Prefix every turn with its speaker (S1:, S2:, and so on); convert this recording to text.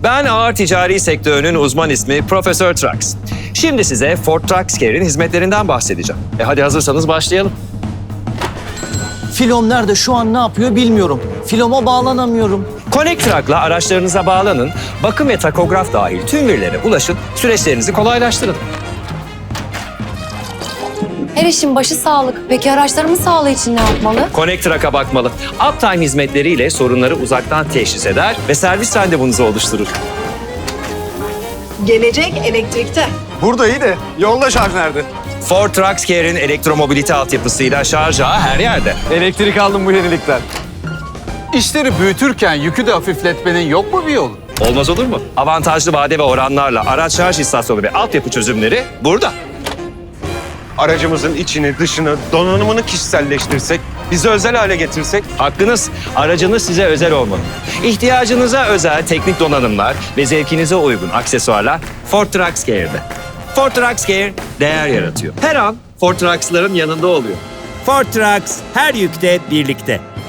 S1: Ben ağır ticari sektörünün uzman ismi Profesör Trucks. Şimdi size Ford Trucks Care'in hizmetlerinden bahsedeceğim. Hadi hazırsanız başlayalım.
S2: Filom nerede? Şu an ne yapıyor bilmiyorum. Filoma bağlanamıyorum.
S1: Connect Truck'la araçlarınıza bağlanın, bakım ve takograf dahil tüm verilere ulaşın, süreçlerinizi kolaylaştırın.
S3: Her işin başı sağlık. Peki araçlarımın sağlığı için ne yapmalı?
S1: Connect Truck'a bakmalı. Uptime hizmetleriyle sorunları uzaktan teşhis eder ve servis randevunuzu oluşturur.
S4: Gelecek elektrikte.
S5: Burada iyi de yolda şarj nerede?
S1: Ford Trucks Care'in elektromobilite altyapısıyla şarj ağı her yerde.
S5: Elektrik aldım bu yenilikten. İşleri büyütürken yükü de hafifletmenin yok mu bir yolu?
S1: Olmaz olur mu? Avantajlı vade ve oranlarla araç şarj istasyonu ve altyapı çözümleri burada.
S6: Aracımızın içini, dışını, donanımını kişiselleştirsek, bize özel hale getirsek.
S1: Hakkınız, aracınız size özel olmalı. İhtiyacınıza özel teknik donanımlar ve zevkinize uygun aksesuarlar Ford Trucks Care'de. Ford Trucks Care değer yaratıyor. Her an Ford Trucks'ların yanında oluyor.
S7: Ford Trucks her yükte birlikte.